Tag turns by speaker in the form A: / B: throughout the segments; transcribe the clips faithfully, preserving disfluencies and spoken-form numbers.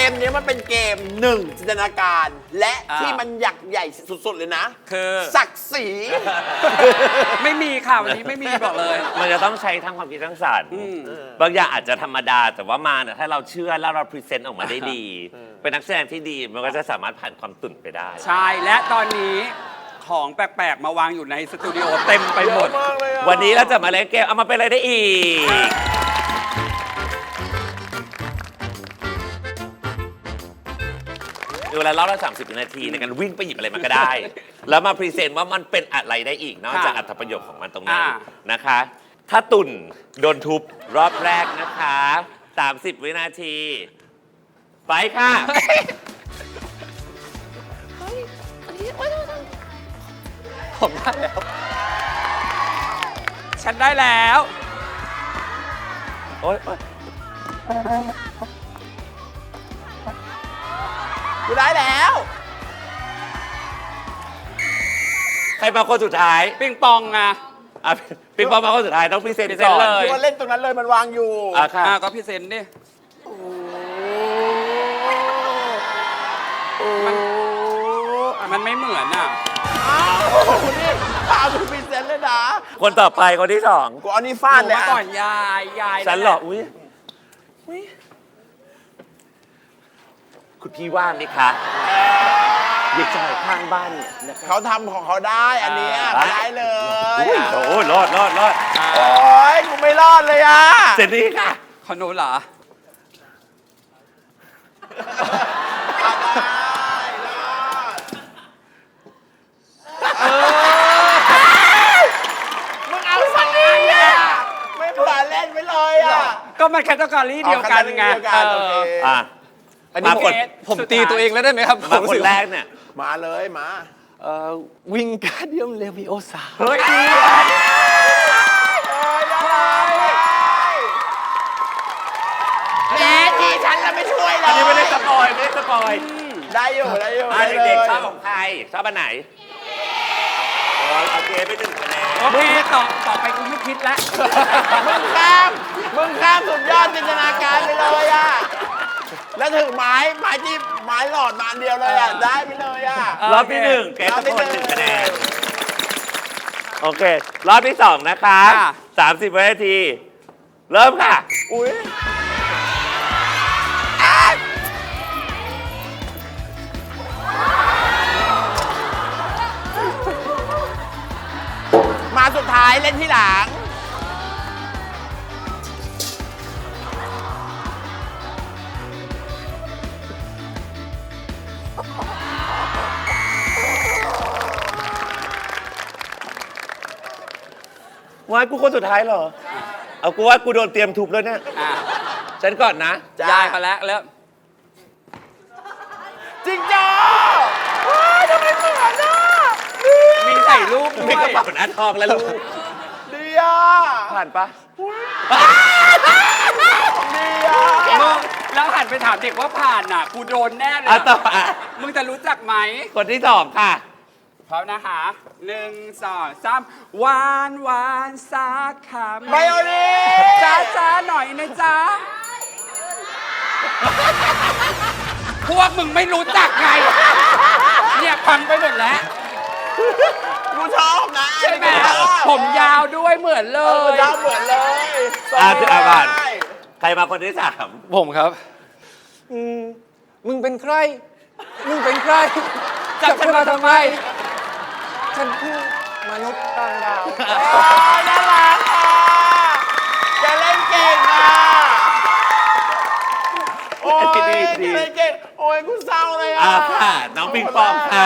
A: มนี้มันเป็นเกมหนึ่งจินตนาการ และที่มันใหญ่ใหญ่สุดๆเลยนะ
B: คือ
A: ศักดิ์ศรี
B: ไม่มีค่ะวันนี้ไม่มีบอกเลย
C: มันจะต้องใช้ทั้งความคิดสร้างสรรค์บางอย่างอาจจะธรรมดาแต่ว่ามาเนี่ยถ้าเราเชื่อแล้วเราพรีเซนต์ออกมาได้ดี เป็นนักแสดงที่ดีมันก็จะสามารถผ่านความตุ่นไปได้
B: ใช่และตอนนี้ของแปลกๆมาวางอยู่ในสตูดิโอเต็มไปหมด
C: วันนี้เราจะมาเล่นเกมเอามาเป็นอะไรได้อีกเวลารอบละสามสิบนาทีในการวิ่งไปหยิบอะไรมาก็ได้ แล้วมาพรีเซนต์ว่ามันเป็นอะไรได้อีกนอกจากอัตประโยชน์ของมันตรงนั้นนะคะ ถ้าตุ่นโดนทุบรอบแรกนะคะสามสิบวินาที ไปค่ะ
B: ผมได้แล้ว ฉันได้แล้ว
C: โอ๊ยโอ๊ย
A: กูได้แล้ว
C: ใครมาคนสุดท้าย
B: ปิงปองอ่ะ
C: อ่ะปิงปองมาคนสุดท้ายต้องพรีเซนต์
B: พรีเซน
C: ก่
B: ต์
C: อน
B: เลย
A: กูว่าเล่นตรงนั้นเลยมันวางอยู่
C: อ่ะค่ะ
B: อ่ะก็พรีเซนต์ดิมันมันไม่เหมือนอ่ะ
A: อ้าวนี่พาดูพรีเซนต์เลยนะ
C: คนต่อไปคนที่สอง
A: กูเอานี่ฟา
B: ห
A: ด
B: นู
A: เลย
B: มา
A: อะ
B: ก่อนยายยาย
C: ฉันเหรออุ้ยอุ๊ยคุณพี่ว่างไหมคะเด็กชายข้างบ้านเนี่ยนะคะ
A: เขาทำของเขาได้อันเนี้ยเขาได้เลย
C: อุ้ยโอ้ยรอดรอดรอด
A: โอ้ยกูไม่รอดเลยอ่ะ
C: เสร็จนี่ค่ะ
B: ขอหนูเหรอ
A: มึงเอาสองอันเลยอ่ะไม่เผื่อเล่นไปเลยอ่ะ
B: ก็มันแคตตากรีเดียวกันไง
A: อ๋อ category เดียวกันโอเค
C: อ่ะ
B: อันนี้
C: มาคน
B: ผมตีตัวเองแล้วได้ไหมครับ
C: มาคนแรกเนี่ย
A: มาเลยมา
D: เอ่อวิงการเดียมเลวิโอซา
C: เฮ้ย
A: แม่ทีฉันแล้วไม่ช่วยเลย
C: อันนี้ไม่ได้สปอยไม่ได้สปอย
A: ได้อยู่ได้อยู่
C: อ่ะเด็กๆชอบของใครชอบอันไหนโอ้ยโอเคไปหนึ่งคะแนน
B: โอเคต่อต่อไปกูไม่คิดแล้ว
A: มึงข้ามมึงข้ามสุดยอดจินตนาการไปเลยอ่ะแล้วถึงไม้ไม้ที่ไม้หลอดมาอันเดียวเลยอ่ะได้ไปเลยอ่ะ
C: รอบที่หนึ่งแกตะโกนหนึ่งคะแนนโอเค รอบที่สองนะคะสามสิบวินาที เริ่มค่ะ
A: อุ้ยมาสุดท้ายเล่นที่หลัง
C: วายกูคนสุดท้ายเหรอ เอากูว่ากูโดนเตรียมทุบแล้วเนี่ย
B: อ่ะ
C: ฉันก่อนนะ
B: ยายเขาแล้วแล้ว
A: จริงจ้าว้ายทำไมเหมือนอ่ะ
B: มีใส่รูปด้
C: มี
B: ว
C: กระ
B: ย
C: เป๋าหน้าทองแล้วลูก
A: ดีอ่ะ
C: ผ่านปะ
A: ดีอ่ะ
B: มึงแล้วหันไปถามเด็กว่าผ่านน่ะ กูโดนแน่เลย
C: อ่ะต่อ
B: อะ
C: อ่ะ
B: มึงจะรู้จักไหม
C: คนที่สองค่ะ
B: พร้อมนะคะหนึ่งสองสามหวานหวานสักคำ
A: ไบโอนี
B: จ้าจ้าหน่อยนะจ๊ะ พวกมึงไม่รู้จักไง เนี่ยพังไปหมดแล้ว
A: กูชอบนะ
B: ใช่ไหม
A: ชอบ
B: ผมยาวด้วยเหมือนเล
A: เออย ชอบเหมือนเลย
C: อ่ะ
A: ทรง
C: อ่ะผ่าน
A: ได้
C: ใครมาคนที่สาม
D: ผมครับอืมมึงเป็นใคร มึงเป็นใคร
B: จับฉันมาทำไม
D: ฉันคือมนุษย์ต่างดาว
A: โอ้ยน่ารักอ่ะแกเล่นเก่งอ่ะโอ้ย
C: ดี
A: แก
C: ดี
A: เล่นเก่งโอ้ยกูเศร้าเลยอ่ะ
C: อ่ะค่ะ น้องปิงปองค่ะ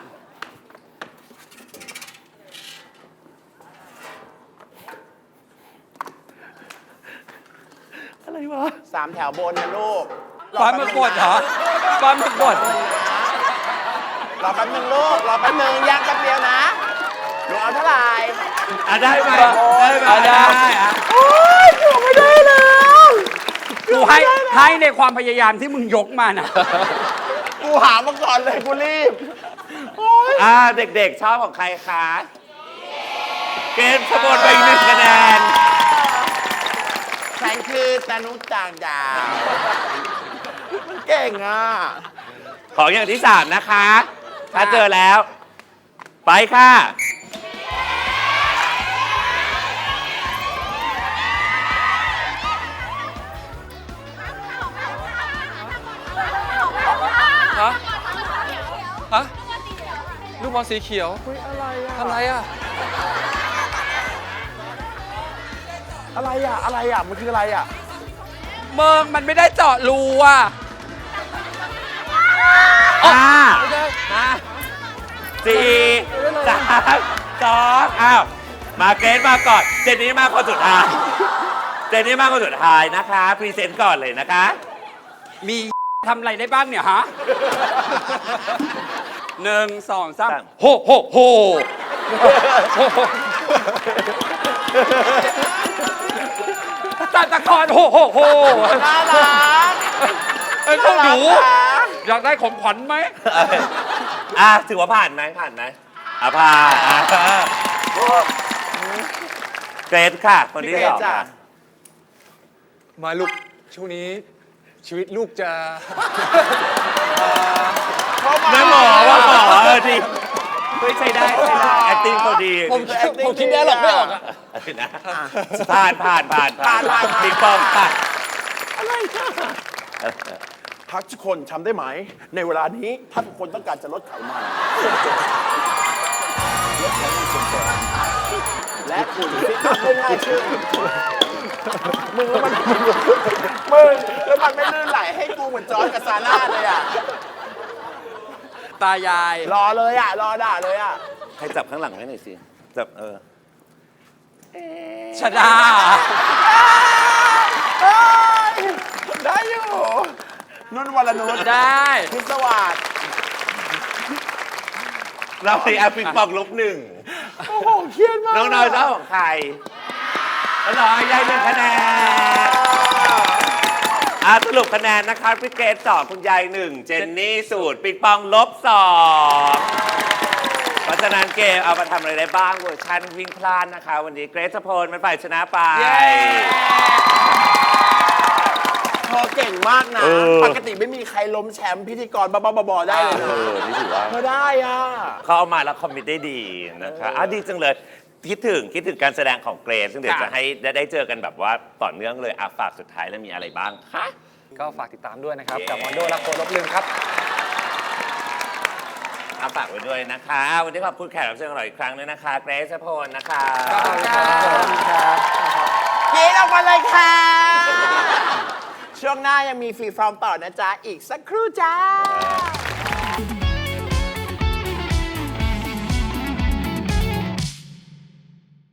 C: อะไรวะ
A: สามแถวบนนะลูก
B: ปลาหมึกบดเหรอปลาหมึกบด
A: รอแป๊บนึงลูกรอแป๊บนึงย่างแป๊บเดียวนะหนูเอาเท่าไหร่
C: อ่ะได้ไหมได้ไหม
B: อ่ะได้
C: อ่ะ
A: โอ้ยหนูไม่ได้แล้ว
B: กูให้ให้ในความพยายามที่มึงยกมาน่ะ
A: กูหามาก่อนเลยกูรีบโอ้ย
C: อ่ะเด็กๆ ชอบของใครคะ เกมสะบดไปอีกหนึ่งคะแนน
A: ฉันคือตานุต่างดาวมันเก่งอ่ะ
C: ของอย่างที่สามนะคะ ถ้าเจอแล้ว ไปค่ะ
D: ฮะ ฮะ ลูกบอลสีเขียวอะไรอ่ะอะไรอ่ะ
A: อะไรอ่ะ อะไรอ่ะ มันคืออะไรอ่ะ
B: เมืองมันไม่ได้เจาะรูอ่ะ
C: ห้าห้าสี่สามสองอ้าว มาเกรซมาก่อน เจนนี่มาคนสุดท้าย เจนนี่มาคนสุดท้ายนะคะ พรีเซนต์ก่อนเลยนะคะ
B: มี ทำอะไรได้บ้างเนี่ยฮะหนึ่งสองสามโฮโฮโฮตาตะกอนโฮโฮโฮ
A: น่ารัก
B: เอ้ยพวกหนู
A: น่ารัก
B: อยากได้ของขวัญไหม
C: อ่ะถือว่าผ่านไหมผ่านไหมอ่ะผ่านอ่ะเกรซค่ะ คนที่สองค่ะ
D: มาลูก ช่วงนี้ชีวิตลูกจะ
C: แม่หมอว่าหมอเออดีเฮ้ยใช้ได้ใช้ได้ acting เขาดี
D: ผมผมคิดได้หรอกไม่ออกอ่ะ
C: นะผ่านผ่านผ่านผ่านผ่านบิ๊กปองค่ะ
A: พักทุกคนทำได้ไหม ในเวลานี้ถ้าทุกคนต้องการจะลดไขมันลดไขมันส่วนเกินและคุณฟิตได้ง่ายขึ้นมึงแล้วมันมึงแล้วมันไม่ลื่นไหลให้กูเหมือนจอร์จกับซาร่าเลยอ่ะ
B: ตายาย
A: รอเลยอ่ะ รอด่าเลยอ่ะ
C: ให้จับข้างหลังไว้หน่อยสิ จับเออ
B: ชดา
A: ได้อยู่นุ่นวรนุช
B: ได้
A: พิศวาส
C: เราในอาปิกปองลบหนึ่ง
A: โอ้โหเครียดมาก
C: น้องน้อยเจ้าของใครน้องน้อยได้หนึ่งคะแนนอ่ะสรุปคะแนนนะคะพี่เกรซสองคุณยายหนึ่งเจนนี่สูตรปิงปองลบสองเพราะฉะนั้นเกมเอามาทำอะไรได้บ้างเวอร์ชันวิ่งพลาดนะคะ วันนี้เกรซพลมันฝ่ายชนะไป
B: เย้
A: เธอเก่งมากนะ
C: เออ
A: ปกติไม่มีใครล้มแชมป์พิธีกรบ้าๆบอๆได้เลย
C: เอ
A: นะ
C: อนี่ถือว่า
A: เธอได้อ่ะ
C: เขาเอามาแล้วคอมมิตได้ดีนะคะอ่ะดีจังเลย คิดถึงคิดถึงการแสดงของเกรซซึ่งเดี๋ยวจะให้ได้ได้เจอกันแบบว่าต่อเนื่องเลยอ่ะฝากสุดท้ายแล้วมีอะไรบ้างคะ
D: ก็ฝากติดตามด้วยนะครับ กับวันโดและโคลบลืมครับ
C: เอาฝากไว้ด้วยนะคะ วันนี้ขอบคุณแขกรับเชิญของเราอีกครั้งด้วยนะคะ เกรซพลนะคะ
A: กินออกมาเลยค่ะ ช่วงหน้ายังมีฟรีฟอร์มต่อนะจ๊ะ อีกสักครู่จ้า